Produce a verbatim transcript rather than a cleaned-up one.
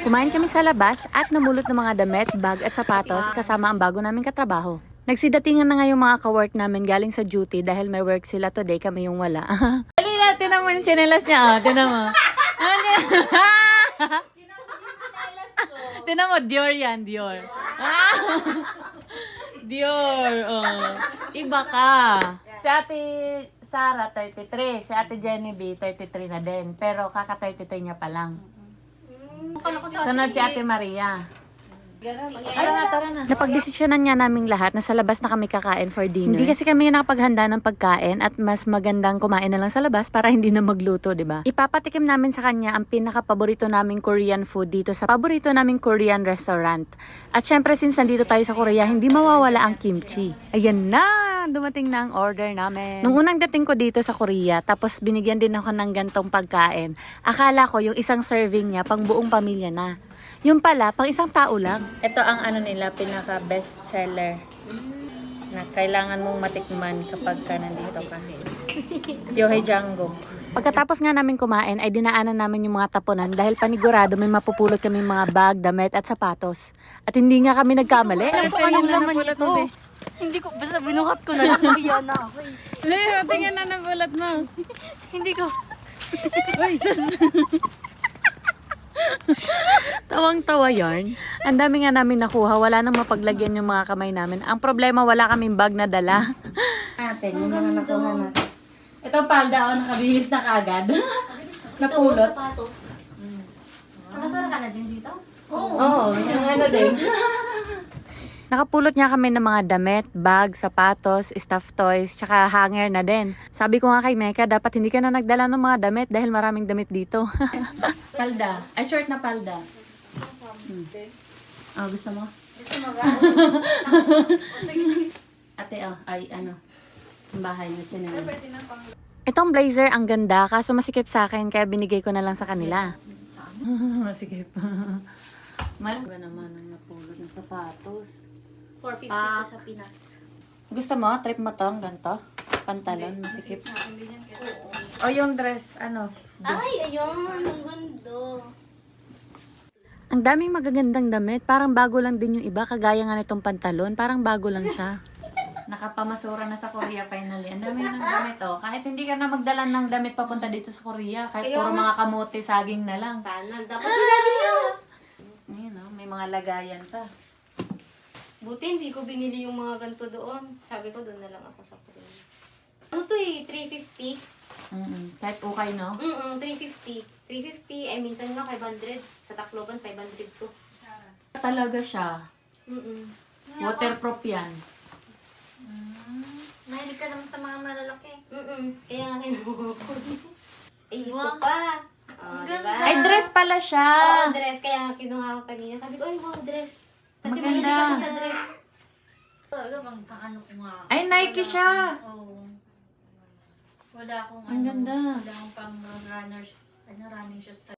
Kumain kami sa labas at namulot ng mga damit, bag at sapatos kasama ang bago naming katrabaho. Nagsidatingan na nga yung mga ka-work namin galing sa duty dahil may work sila today, kami yung wala. Dali na, tinan mo yung chinelas niya. Oh, tinan mo. Tinan mo, Dior yan, Dior. Dior, oh. Iba ka. Si Ate Sarah, thirty-three. Si Ate Genevieve, thirty-three na din. Pero kaka-thirty-three niya pa lang. Sunod si Ate Maria. Tara na, tara na. Napagdesisyonan nga naming lahat na sa labas na kami kakain for dinner. Hindi kasi kami nakapaghanda ng pagkain at mas magandang kumain na lang sa labas para hindi na magluto, di ba? Ipapatikim namin sa kanya ang pinaka-paborito naming Korean food dito sa paborito naming Korean restaurant. At syempre, since nandito tayo sa Korea, hindi mawawala ang kimchi. Ayan na! Dumating na ang order namin. Nung unang dating ko dito sa Korea, tapos binigyan din ako ng gantong pagkain, akala ko yung isang serving niya pang buong pamilya na. Yung pala, pang isang tao lang. Ito ang ano nila, pinaka best seller na kailangan mong matikman kapag ka nandito ka. Yohei Django. Pagkatapos nga namin kumain, ay dinaanan namin yung mga tapunan dahil panigurado may mapupulot kami mga bag, damit at sapatos. At hindi nga kami nagkamali. Alam ko anong laman nito. Hindi ko, basta binukat ko na lang. Kaya na ako eh. Leo, tingnan na nabulat mo. Hindi ko. Uy, sus. Tawang-tawa yarn. Ang dami nga namin nakuha. Wala nang mapaglagyan yung mga kamay namin. Ang problema, wala kaming bag na dala. Natin, yung mga nakuha natin. Itong palda, oh, nakabihis na kaagad. Napulot. Ito, sapatos. Nakasara ka na din dito? Oo, oh, yung ano din. Nakapulot niya kami ng mga damit, bag, sapatos, stuffed toys, tsaka hanger na din. Sabi ko nga kay Mecca, dapat hindi ka na nagdala ng mga damit dahil maraming damit dito. Palda. Ay, short na palda. Hmm. Oh, gusto mo? Gusto mo ba? Sige, sige. Ate, oh, ay, ano, ang bahay na chinelas. Itong blazer, ang ganda, kaso masikip sa akin, kaya binigay ko na lang sa kanila. Masikip. Mal ba naman ang napulot ng sapatos? four fifty Ah. to sa Pinas. Gusto mo? Trip mo to? Ang ganito? Pantalon, masikip. O yung dress, ano? Ay, ayun. Ang gundo. Ang daming magagandang damit. Parang bago lang din yung iba. Kagaya nga nitong pantalon. Parang bago lang siya. Nakapamasura na sa Korea finally. Ang dami ng damit oh. Kahit hindi ka na magdala ng damit papunta dito sa Korea. Kahit Kaya puro mas- mga kamote, saging na lang. Sana. Dapat sinabi niyo. Ayun oh, may mga lagayan pa. Buti hindi ko binili yung mga ganito doon. Sabi ko, doon na lang ako sa Korea. Ano to eh? three fifty? Mm-mm. Kahit ukay, no? Mm-mm, three fifty. three fifty, eh minsan nga five hundred. Sa Tacloban, five hundred to. Talaga siya. Mm-mm. Waterproof yan. Mahilig ka naman sa mga malalaki. Mm-mm. Kaya nga kinuha ko. Eh, ito pa. Oh, diba? Ay, dress pala siya. Oo, dress. Kaya nga kinuha ko kanina. Sabi ko, ay, wow, dress. Kasi Maganda. mahilig ako sa dress. Talaga, pang paano ko nga. Ay, Nike Wala siya. akong- Oo. Wala akong Ang ano. ganda. Wala akong pang runners. Ano, running shoes.